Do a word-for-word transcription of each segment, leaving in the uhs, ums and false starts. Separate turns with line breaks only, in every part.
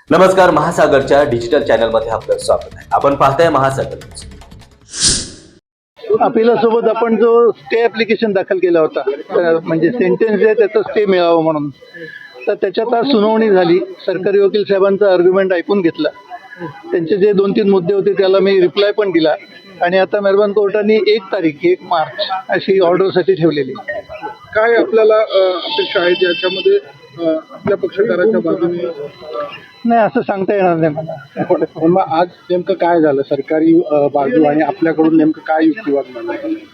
नमस्कार, महासागरच्या डिजिटल चॅनलमध्ये आपलं स्वागत आहे. आपण पाहताय महासागर.
अपिलासोबत आपण जो स्टे ॲप्लिकेशन दाखल केला होता, म्हणजे सेंटेन्स आहे त्याचा स्टे मिळावं म्हणून, तर त्याच्यात आज सुनावणी झाली. सरकारी वकील साहेबांचा आर्ग्युमेंट ऐकून घेतला. त्यांचे जे दोन तीन मुद्दे होते त्याला मी रिप्लाय पण दिला आणि आता मेहरबान कोर्टाने एक तारीख एक मार्च अशी ऑर्डरसाठी ठेवलेली.
काय आपल्याला अपेक्षा आहेत याच्यामध्ये आपल्या पक्षकाराच्या बाजूने?
नाही, असं सांगता येणार नाही मला.
पण मग आज नेमकं काय झालं? सरकारी बाजू आणि आपल्याकडून नेमकं काय युक्तिवाद झाला?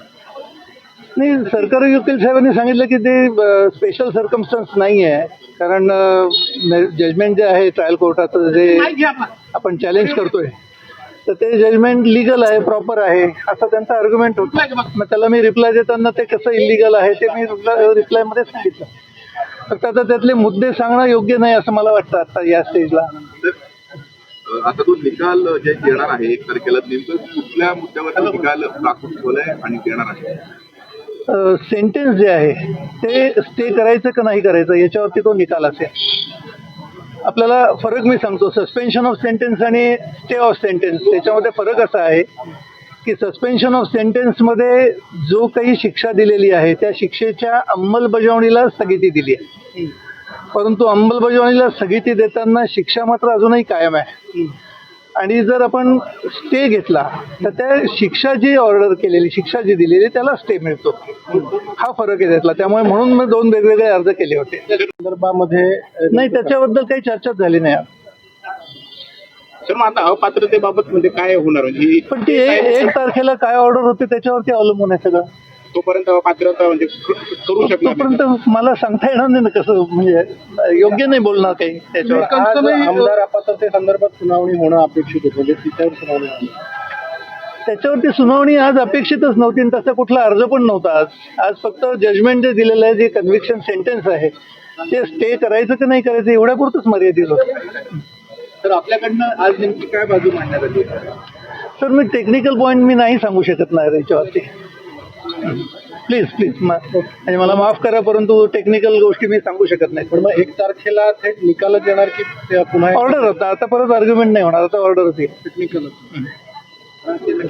नाही, सरकारी वकील साहेबांनी सांगितलं की ते स्पेशल सर्कमस्टन्स नाही आहे, कारण जजमेंट जे आहे ट्रायल कोर्टाचं जे आपण चॅलेंज करतोय तर ते जजमेंट लिगल आहे, प्रॉपर आहे असा त्यांचा आर्ग्युमेंट होता. मग त्याला मी रिप्लाय देताना ते कसं इलिगल आहे ते मी रिप्लायमध्ये सांगितलं. फक्त आता त्यातले मुद्दे सांगणं योग्य नाही असं मला वाटतं आता या स्टेजला.
आता तो निकाल जे येणार आहे एक तारखेला, नेमकं कुठल्या मुद्द्यावर निकाल राखून ठेवलाय आणि देणार आहे?
सेंटेन्स जे आहे ते स्टे करायचं का नाही करायचं याच्यावरती तो निकाल असेल. आपल्याला फरक मी सांगतो, सस्पेन्शन ऑफ सेंटेन्स आणि स्टे ऑफ सेंटेन्स त्याच्यामध्ये फरक असा आहे की सस्पेन्शन ऑफ सेंटेन्समध्ये जो काही शिक्षा दिलेली आहे त्या शिक्षेच्या अंमलबजावणीला स्थगिती दिली आहे, परंतु अंमलबजावणीला स्थगिती देताना शिक्षा मात्र अजूनही कायम आहे. आणि जर आपण स्टे घेतला तर त्या शिक्षा जी ऑर्डर केलेली, शिक्षा जी दिलेली त्याला स्टे मिळतो. हा फरक आहे त्यातला. त्यामुळे म्हणून मी दोन वेगवेगळे अर्ज केले होते.
संदर्भामध्ये
नाही, त्याच्याबद्दल काही चर्चाच झाली नाही.
सर, मग आता अपात्रतेबाबत म्हणजे काय होणार? म्हणजे
पण ती एक तारखेला काय ऑर्डर होते त्याच्यावरती अवलंबून आहे सगळं.
तोपर्यंत पात्रता म्हणजे करू शकतो
तोपर्यंत मला सांगता येणार नाही ना कसं, म्हणजे योग्य नाही बोलणार काही त्याच्यावर.
आमदार अपात्रते संदर्भात सुनावणी होणं अपेक्षित होतं, म्हणजे तिच्यावर सुनावणी होणं.
त्याच्यावरती सुनावणी आज अपेक्षितच नव्हती आणि तसा कुठला अर्ज पण नव्हता. आज आज फक्त जजमेंट जे दिलेलं आहे, जे कन्व्हिक्शन सेंटेन्स आहे ते स्टे करायचं की नाही करायचं एवढ्यापुरतच मर्यादित होतं.
तर आपल्याकडनं आज नेमकी काय बाजू मांडण्यात आली?
सर, मी टेक्निकल पॉईंट मी नाही सांगू शकत नाही याच्यावरती. प्लीज प्लीज म्हणजे मला माफ करा, परंतु टेक्निकल गोष्टी मी सांगू शकत नाही.
पण मग एक तारखेला थेट निकालच येणार की पुन्हा
ऑर्डर होता? आता परत आर्ग्युमेंट नाही होणार, आता ऑर्डर होती.
टेक्निकल.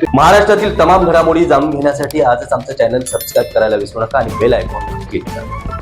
महाराष्ट्रातील तमाम घडामोडी जाणून घेण्यासाठी आजच आमचं चॅनल सबस्क्राईब करायला विसरू नका आणि बेल आयकॉन क्लिक करा.